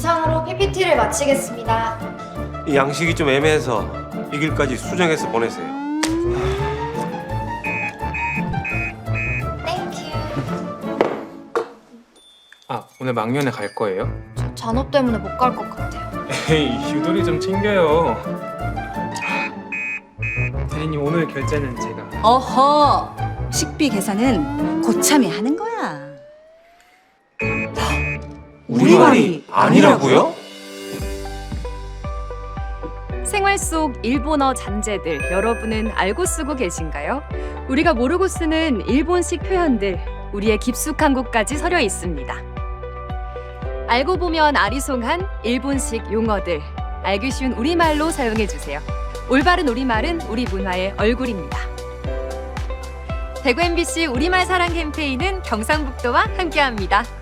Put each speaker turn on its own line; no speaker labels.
이상으로 PPT를 마치겠습니다.
이 양식이 좀 애매해서 이 길까지 수정해서 보내세요.
땡큐.
아, 오늘 막년회 갈 거예요?
저 잔업 때문에 못 갈 것 같아요.
에이, 유도리 좀 챙겨요. 대리님, 오늘 결제는 제가.
어허, 식비 계산은 고참이 하는 거야.
우리 말이 아니라고요?
생활 속 일본어 잔재들 여러분은 알고 쓰고 계신가요? 우리가 모르고 쓰는 일본식 표현들, 우리의 깊숙한 곳까지 서려 있습니다. 알고 보면 아리송한 일본식 용어들, 알기 쉬운 우리말로 사용해주세요. 올바른 우리말은 우리 문화의 얼굴입니다. 대구 MBC 우리말 사랑 캠페인은 경상북도와 함께합니다.